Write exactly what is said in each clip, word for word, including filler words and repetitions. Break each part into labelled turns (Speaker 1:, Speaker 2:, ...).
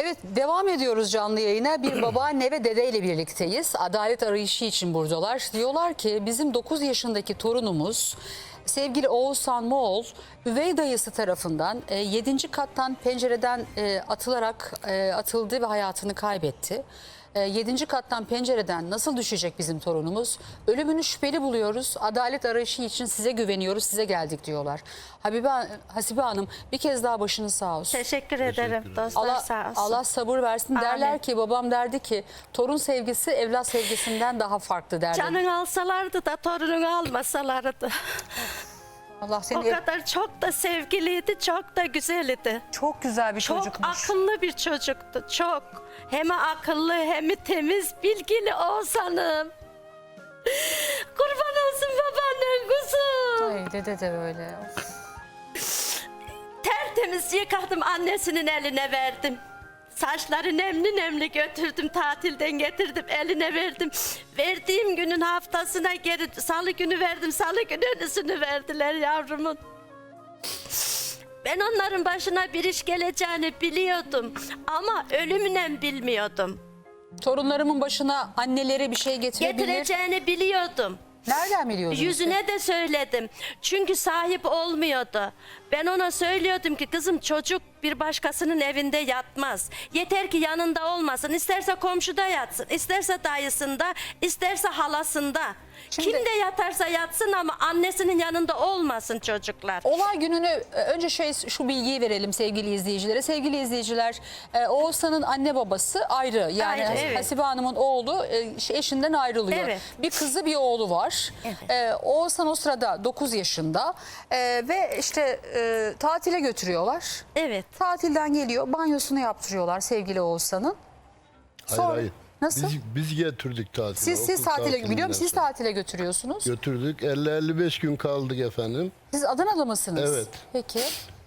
Speaker 1: Evet, devam ediyoruz canlı yayına. Bir babaanne ve dedeyle birlikteyiz. Adalet arayışı için buradalar. Diyorlar ki bizim dokuz yaşındaki torunumuz sevgili Oğuzhan Moğol üvey dayısı tarafından e, yedinci kattan pencereden e, atılarak e, atıldı ve hayatını kaybetti. E, yedinci kattan pencereden nasıl düşecek bizim torunumuz? Ölümünü şüpheli buluyoruz. Adalet arayışı için size güveniyoruz, size geldik diyorlar. Habibe, Hasibe Hanım, bir kez daha başınız sağ olsun.
Speaker 2: Teşekkür ederim dostlar,
Speaker 1: Allah,
Speaker 2: sağ olsun.
Speaker 1: Allah sabır versin.
Speaker 2: Amin.
Speaker 1: Derler ki, babam derdi ki torun sevgisi evlat sevgisinden daha farklı derdi.
Speaker 2: Canını alsalardı da torununu almasalardı.
Speaker 1: Allah seni
Speaker 2: O kadar çok da sevgiliydi, çok da güzeldi.
Speaker 1: çok güzel bir
Speaker 2: Çok
Speaker 1: çocukmuş.
Speaker 2: akıllı bir çocuktu, çok. Hem akıllı hem temiz, bilgili Oğuzhan'ım. Kurban olsun babaannem kuzum.
Speaker 1: Ay dede de böyle.
Speaker 2: Tertemiz yıkadım, annesinin eline verdim. Saçları nemli nemli götürdüm, tatilden getirdim, eline verdim. Verdiğim günün haftasına geri salı günü verdim, salı günü ölüsünü verdiler yavrumun. Ben onların başına bir iş geleceğini biliyordum ama ölümüne bilmiyordum.
Speaker 1: Torunlarımın başına anneleri bir şey getirebilir.
Speaker 2: Getireceğini biliyordum.
Speaker 1: Nereden biliyordunuz?
Speaker 2: Yüzüne de söyledim. Çünkü sahip olmuyordu. Ben ona söylüyordum ki kızım, çocuk bir başkasının evinde yatmaz. Yeter ki yanında olmasın. İsterse komşuda yatsın, isterse dayısında, isterse halasında.
Speaker 1: Şimdi-
Speaker 2: Kimde yatarsa yatsın ama annesinin yanında olmasın çocuklar.
Speaker 1: Olay gününü e, önce şey, şu bilgiyi verelim sevgili izleyicilere. Sevgili izleyiciler, e, Oğuzhan'ın anne babası ayrı. Yani
Speaker 2: Ayrı, evet.
Speaker 1: Hasibe Hanım'ın oğlu e, eşinden ayrılıyor.
Speaker 2: Evet.
Speaker 1: Bir kızı bir oğlu var.
Speaker 2: Evet.
Speaker 1: E, Oğuzhan o sırada dokuz yaşında e, ve işte e, tatile götürüyorlar.
Speaker 2: Evet.
Speaker 1: Tatilden geliyor, banyosunu yaptırıyorlar sevgili Oğuzhan'ın. Sonra-
Speaker 3: Hayır hayır.
Speaker 1: Nasıl?
Speaker 3: Biz, biz getirdik tatile.
Speaker 1: Siz siz
Speaker 3: okul
Speaker 1: tatile
Speaker 3: tatilinden
Speaker 1: biliyorum siz
Speaker 3: sonra.
Speaker 1: tatile götürüyorsunuz.
Speaker 3: Götürdük. elli elli beş gün kaldık efendim.
Speaker 1: Siz Adana'da mısınız?
Speaker 3: Evet.
Speaker 1: Peki.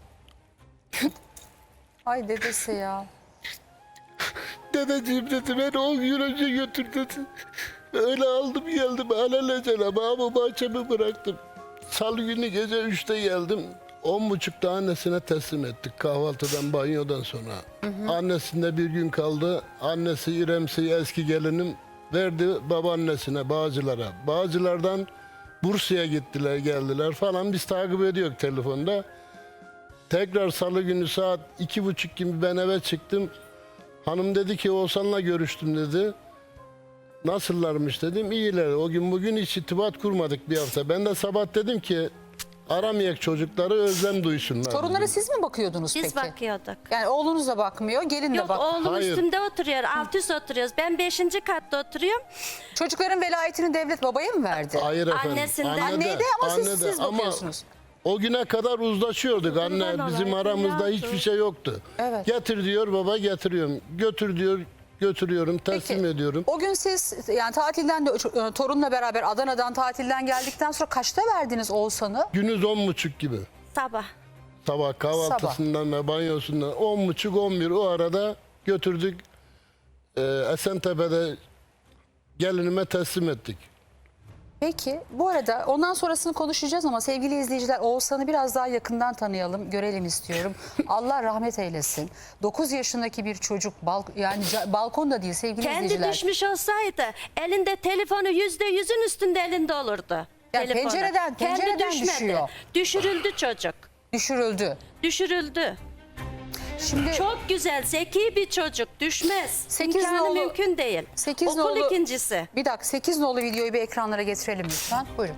Speaker 1: Ay dedesi ya.
Speaker 3: Dedeciğim dedi, beni on gün önce götür dedi. Öyle aldım geldim alelacele ama bahçemi bıraktım. Salı günü gece üçte geldim. On buçukta annesine teslim ettik kahvaltıdan, banyodan sonra. Hı hı. Annesinde bir gün kaldı. Annesi İremsi, eski gelinim, verdi babaannesine, Bağcılar'a. Bağcılar'dan Bursa'ya gittiler, geldiler falan. Biz takip ediyoruz telefonda. Tekrar salı günü saat iki buçuk gibi ben eve çıktım. Hanım dedi ki Oğuzhan'la görüştüm dedi. Nasıllarmış dedim. İyiler. O gün bugün hiç irtibat kurmadık bir hafta. Ben de sabah dedim ki aramayak çocukları, özlem duysunlar.
Speaker 1: Torunlara
Speaker 3: dedim.
Speaker 1: siz mi bakıyordunuz
Speaker 2: Biz
Speaker 1: peki?
Speaker 2: bakıyorduk.
Speaker 1: Yani oğlunuz da bakmıyor, gelin de
Speaker 2: Yok,
Speaker 1: bak.
Speaker 2: oğlum
Speaker 3: Hayır.
Speaker 2: üstünde oturuyor, alt üst oturuyoruz. Ben beşinci katta oturuyorum.
Speaker 1: Çocukların velayetini devlet babaya mı verdi?
Speaker 3: Hayır efendim.
Speaker 2: Annesinden.
Speaker 3: Anne de,
Speaker 1: Anneye de ama siz,
Speaker 3: anne de.
Speaker 1: siz
Speaker 3: Ama
Speaker 1: bakıyorsunuz.
Speaker 3: o güne kadar uzlaşıyorduk
Speaker 2: Kurban
Speaker 3: anne. Bizim
Speaker 2: olayım
Speaker 3: aramızda
Speaker 2: ya.
Speaker 3: hiçbir şey yoktu.
Speaker 1: Evet.
Speaker 3: Getir diyor baba, getiriyorum. Götür diyor, götürüyorum, teslim
Speaker 1: Peki,
Speaker 3: ediyorum.
Speaker 1: o gün siz yani tatilden de e, torunla beraber Adana'dan tatilden geldikten sonra kaçta verdiniz Oğuzhan'ı?
Speaker 3: Günüz on buçuk gibi.
Speaker 2: Sabah.
Speaker 3: Sabah kahvaltısından ve banyosundan on buçuk on bir o arada götürdük. Ee, Esentepe'de gelinime teslim ettik.
Speaker 1: Peki bu arada ondan sonrasını konuşacağız ama sevgili izleyiciler, Oğuzhan'ı biraz daha yakından tanıyalım, görelim istiyorum. Allah rahmet eylesin. dokuz yaşındaki bir çocuk, bal, yani ca- balkonda değil sevgili
Speaker 2: Kendi
Speaker 1: izleyiciler.
Speaker 2: düşmüş olsaydı elinde telefonu yüzde yüzün üstünde elinde olurdu.
Speaker 1: Ya
Speaker 2: Telefonu.
Speaker 1: pencereden-
Speaker 2: Kendi
Speaker 1: pencereden
Speaker 2: düşmedi.
Speaker 1: düşüyor.
Speaker 2: Düşürüldü çocuk.
Speaker 1: Düşürüldü.
Speaker 2: Düşürüldü.
Speaker 1: Şimdi
Speaker 2: Çok güzel, zeki bir çocuk. Düşmez.
Speaker 1: Sekiz
Speaker 2: İmkanı
Speaker 1: nolu-
Speaker 2: mümkün değil.
Speaker 1: sekiz
Speaker 2: Okul
Speaker 1: nolu-
Speaker 2: ikincisi.
Speaker 1: bir dakika, sekiz nolu videoyu bir ekranlara getirelim lütfen. Buyurun.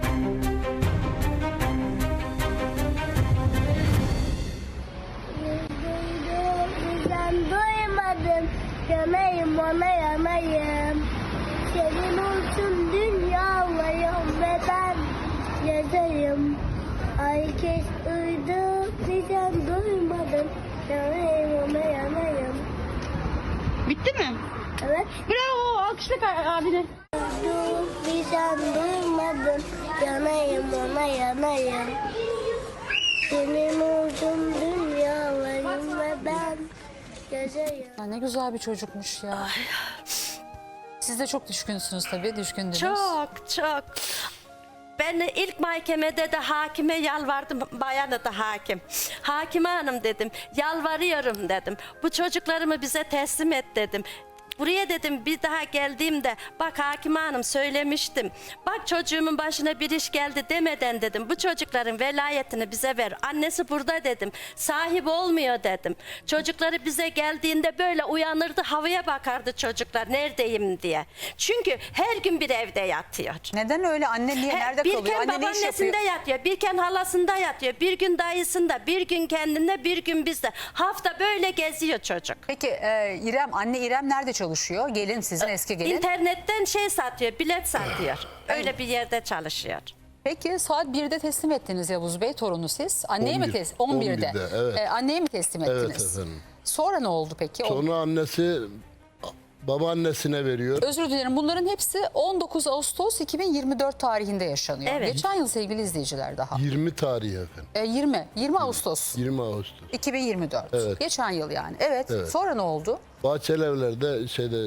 Speaker 4: Ben doymadım, yanayım ona yanayım. Senin olsun dünyalayım ve ben yazayım. Herkes uydu, sen doymadım, yanayım ona yanayım.
Speaker 5: Bitti mi?
Speaker 4: Evet.
Speaker 5: Bravo, alkışla abine.
Speaker 4: Uydu, sen duymadın, yanayım ona yanayım. Senin olsun dünyalayım ve ben yazayım.
Speaker 1: Ya ne güzel bir çocukmuş ya. Siz de çok düşkünsünüz tabii, düşkündünüz.
Speaker 2: Çok çok. Ben ilk mahkemede de hakime yalvardım, bayanı da hakim. Hakime hanım dedim, yalvarıyorum dedim. Bu çocuklarımı bize teslim et dedim. Buraya dedim bir daha geldiğimde bak Hakime Hanım söylemiştim. Bak çocuğumun başına bir iş geldi demeden dedim. Bu çocukların velayetini bize ver. Annesi burada dedim. Sahip olmuyor dedim. Çocukları bize geldiğinde böyle uyanırdı, havaya bakardı çocuklar neredeyim diye. Çünkü her gün bir evde yatıyor.
Speaker 1: Neden öyle? Anne niye?
Speaker 2: He,
Speaker 1: Nerede
Speaker 2: bir
Speaker 1: kalıyor?
Speaker 2: gün
Speaker 1: Anne ne iş
Speaker 2: babaannesinde
Speaker 1: yapıyor?
Speaker 2: yatıyor, bir gün halasında yatıyor, bir gün dayısında, bir gün kendinde, bir gün bizde. Hafta böyle geziyor çocuk.
Speaker 1: Peki e, İrem, anne İrem nerede çalışıyor? Gelin sizin eski gelin.
Speaker 2: İnternetten şey satıyor, bilet satıyor. Öyle bir yerde çalışıyor.
Speaker 1: Peki saat birde teslim ettiniz Yavuz Bey torunu siz. Anneye mi
Speaker 3: on bir,
Speaker 1: teslim? on birde.
Speaker 3: on birde, evet.
Speaker 1: E, anneye mi teslim
Speaker 3: Evet
Speaker 1: ettiniz?
Speaker 3: efendim.
Speaker 1: Sonra ne oldu peki? O-
Speaker 3: Sonra annesi babaannesine veriyor.
Speaker 1: Özür dilerim, bunların hepsi on dokuz Ağustos iki bin yirmi dört tarihinde yaşanıyor.
Speaker 2: Evet.
Speaker 1: Geçen yıl sevgili izleyiciler daha.
Speaker 3: yirmi tarihi efendim.
Speaker 1: E, yirmi, yirmi Ağustos
Speaker 3: yirmi Ağustos.
Speaker 1: iki bin yirmi dört.
Speaker 3: Evet.
Speaker 1: Geçen yıl yani. Evet.
Speaker 3: Evet.
Speaker 1: Sonra ne oldu?
Speaker 3: Bahçelievler'de şeyde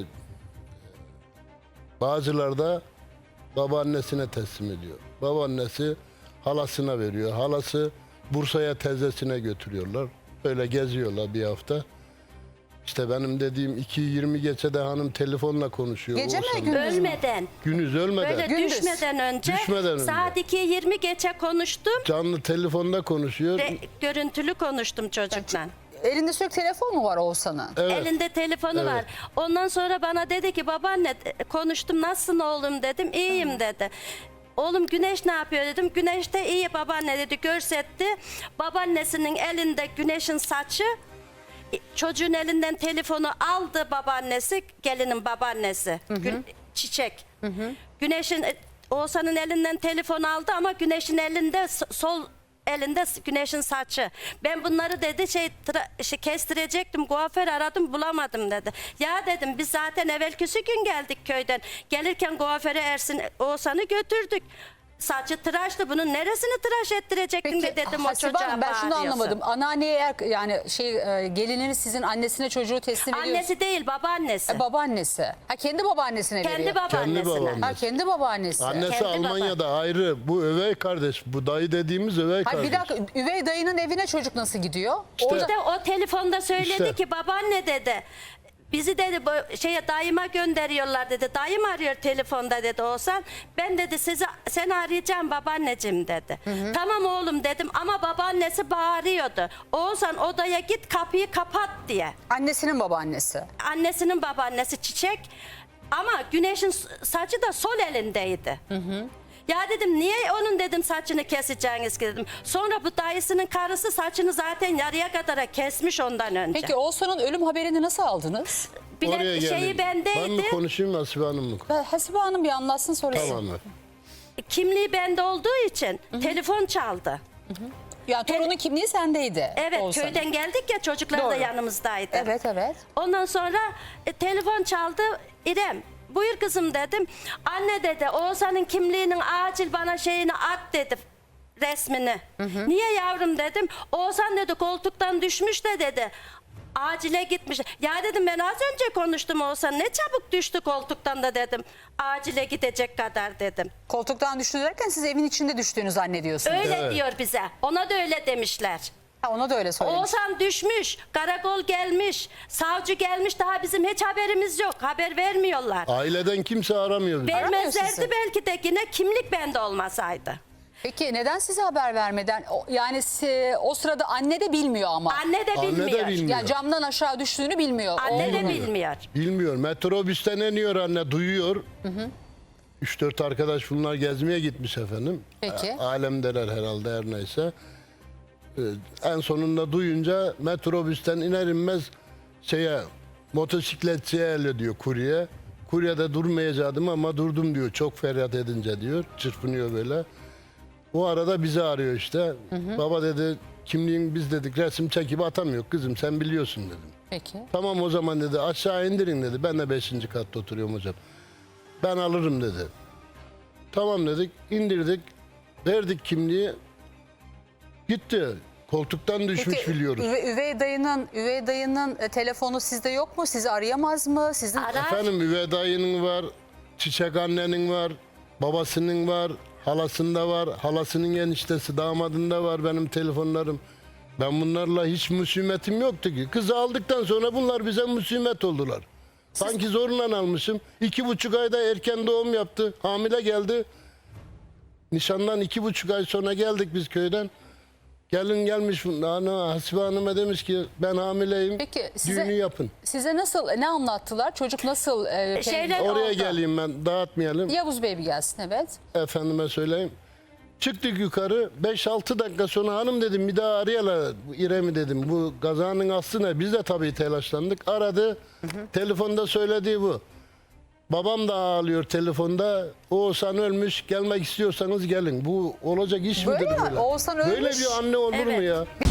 Speaker 3: Bağcılar'da babaannesine teslim ediyor. Babaannesi halasına veriyor. Halası Bursa'ya teyzesine götürüyorlar. Böyle geziyorlar bir hafta. İşte benim dediğim iki yirmi geçe de hanım telefonla konuşuyor.
Speaker 1: Gece mi,
Speaker 3: Oğuzhan'la.
Speaker 1: gündüz mü?
Speaker 2: Ölmeden,
Speaker 3: Gündüz ölmeden.
Speaker 2: böyle
Speaker 1: Gündüz.
Speaker 2: düşmeden önce,
Speaker 3: Düşmeden önce.
Speaker 2: saat ikiye yirmi geçe konuştum.
Speaker 3: Canlı telefonda konuşuyor.
Speaker 2: Ve görüntülü konuştum çocukla.
Speaker 1: Elinde sürekli telefon mu var Oğuzhan'ın?
Speaker 3: Evet.
Speaker 2: Elinde telefonu
Speaker 3: Evet.
Speaker 2: var. Ondan sonra bana dedi ki babaanne konuştum, nasılsın oğlum dedim. İyiyim dedi. Oğlum Güneş ne yapıyor dedim. Güneş de iyi babaanne dedi, görsetti. Babaannesinin elinde Güneş'in saçı. Çocuğun elinden telefonu aldı babaannesi, gelinin babaannesi. Gül- Çiçek. Güneş'in, Oğuzhan'ın elinden telefon aldı ama Güneş'in elinde s- sol elinde s- Güneş'in saçı. Ben bunları dedi şey, tra- şey kestirecektim, kuaför aradım bulamadım dedi. Ya dedim biz zaten evvelkisi gün geldik köyden. Gelirken kuaföre Ersin Oğuzhan'ı götürdük. Saçı tıraştı, bunun neresini tıraş ettirecektin de dedim o
Speaker 1: Hasibe
Speaker 2: çocuğa
Speaker 1: Hanım, ben şunu
Speaker 2: bağırıyorsun.
Speaker 1: anlamadım. Anneanneye eğer yani şey e, gelininiz sizin annesine çocuğu teslim ediyor.
Speaker 2: Annesi değil babaannesi.
Speaker 1: E, babaannesi. Ha kendi babaannesine
Speaker 2: Kendi
Speaker 1: veriyor.
Speaker 2: babaannesine.
Speaker 3: Kendi babaannesi.
Speaker 1: Ha kendi babaannesi.
Speaker 3: Annesi
Speaker 2: Kendi
Speaker 3: Almanya'da ayrı. Bu övey kardeş. Bu dayı dediğimiz övey
Speaker 1: Ha,
Speaker 3: kardeş.
Speaker 1: bir dakika, üvey dayının evine çocuk nasıl gidiyor?
Speaker 3: İşte-
Speaker 1: Orada
Speaker 2: İşte o telefonda söyledi
Speaker 3: İşte.
Speaker 2: ki babaanne dedi. Bizi dedi bu şeye dayıma gönderiyorlar dedi. Dayım arıyor telefonda dedi Oğuzhan. Ben dedi sizi seni arayacağım babaanneciğim dedi. Tamam oğlum dedim ama babaannesi bağırıyordu. Oğuzhan odaya git kapıyı kapat diye.
Speaker 1: annesinin babaannesi.
Speaker 2: Annesinin babaannesi Çiçek ama Güneş'in saçı da sol elindeydi. Ya dedim niye onun dedim saçını keseceğiniz ki dedim. Sonra bu dayısının karısı saçını zaten yarıya kadar kesmiş ondan önce.
Speaker 1: Peki Oğuzhan'ın ölüm haberini nasıl aldınız?
Speaker 2: Bilet
Speaker 3: Oraya
Speaker 2: şeyi
Speaker 3: gelin.
Speaker 2: bendeydi.
Speaker 3: Ben mi konuşayım Hasibe Hanım mı?
Speaker 1: Ben- Hasibe Hanım bir anlatsın sonra.
Speaker 3: Tamam mı?
Speaker 2: Kimliği bende olduğu için telefon çaldı.
Speaker 1: Yani torunun kimliği sendeydi.
Speaker 2: Evet
Speaker 1: Oğuzhan'ın.
Speaker 2: köyden geldik ya, çocuklar da
Speaker 1: Doğru.
Speaker 2: yanımızdaydı.
Speaker 1: Evet evet.
Speaker 2: Ondan sonra e, telefon çaldı. İrem buyur kızım dedim. Anne dedi Oğuzhan'ın kimliğinin acil bana şeyini at dedi, resmini. Niye yavrum dedim. Oğuzhan dedi koltuktan düşmüş de dedi. Acile gitmiş. Ya dedim ben az önce konuştum Oğuzhan. Ne çabuk düştü koltuktan da dedim. Acile gidecek kadar dedim.
Speaker 1: Koltuktan düştü derken siz evin içinde düştüğünü zannediyorsunuz.
Speaker 2: Öyle
Speaker 3: Evet.
Speaker 2: diyor bize. Ona da öyle demişler.
Speaker 1: Ha, ona da öyle söylemiş.
Speaker 2: Oğuzhan düşmüş, karakol gelmiş, savcı gelmiş, daha bizim hiç haberimiz yok. Haber vermiyorlar.
Speaker 3: Aileden kimse aramıyor bizi.
Speaker 1: Aramıyor sizi.
Speaker 2: Vermezlerdi belki de yine kimlik bende olmasaydı.
Speaker 1: Peki neden size haber vermeden? O- Yani si- o sırada anne de bilmiyor ama.
Speaker 2: Anne de
Speaker 3: Anne de
Speaker 2: bilmiyor.
Speaker 3: bilmiyor.
Speaker 1: Yani camdan aşağı düştüğünü bilmiyor.
Speaker 2: Anne de
Speaker 1: Oğlunun.
Speaker 2: bilmiyor.
Speaker 3: Bilmiyor. Metrobüsten iniyor anne, duyuyor. Üç dört arkadaş bunlar gezmeye gitmiş efendim.
Speaker 1: Peki.
Speaker 3: A- Alemdeler herhalde her neyse. Ee, en sonunda duyunca metrobüsten iner inmez şeye, motosikletçiye el diyor kurye. Kurye de durmayacaktım ama durdum diyor. Çok feryat edince diyor. Çırpınıyor böyle. O arada bizi arıyor işte. Baba dedi kimliğin biz dedik resim çekip atamıyor kızım sen biliyorsun dedim.
Speaker 1: Peki.
Speaker 3: Tamam o zaman dedi aşağı indirin dedi. Ben de beşinci katta oturuyorum hocam. Ben alırım dedi. Tamam dedik indirdik. Verdik kimliği. Gitti. Koltuktan düşmüş
Speaker 1: Peki,
Speaker 3: biliyoruz.
Speaker 1: üve- üvey dayının üvey dayının e, telefonu sizde yok mu? Sizi arayamaz mı? Sizin
Speaker 2: Arar.
Speaker 3: Efendim üvey dayının var. Çiçek annenin var. Babasının var. halasında var, halasının eniştesi, damadında var benim telefonlarım. Ben bunlarla hiç musimetim yoktu ki. Kızı aldıktan sonra bunlar bize musimet oldular. Sanki zorla almışım. İki buçuk ayda erken doğum yaptı. Hamile geldi. Nişandan iki buçuk ay sonra geldik biz köyden. Gelin gelmiş ana Hasibe Hanım'a demiş ki ben hamileyim.
Speaker 1: Peki size,
Speaker 3: Düğünü yapın.
Speaker 1: size nasıl, ne anlattılar? Çocuk nasıl? E,
Speaker 2: Şeyler
Speaker 3: Oraya
Speaker 2: oldu.
Speaker 3: geleyim ben, dağıtmayalım.
Speaker 1: Yavuz Bey bir gelsin, evet.
Speaker 3: Efendime söyleyeyim. Çıktık yukarı. beş altı dakika sonra hanım dedim bir daha arayala İrem'i dedim. Bu kazanın aslı ne? Biz de tabii telaşlandık. Aradı. Telefonda söylediği bu. Babam da ağlıyor telefonda. Oğuzhan ölmüş. Gelmek istiyorsanız gelin. Bu olacak iş
Speaker 1: Böyle
Speaker 3: midir
Speaker 1: mi?
Speaker 3: böyle?
Speaker 1: Oğuzhan
Speaker 3: Böyle
Speaker 1: ölmüş.
Speaker 3: bir anne olur mu
Speaker 2: Evet.
Speaker 3: ya?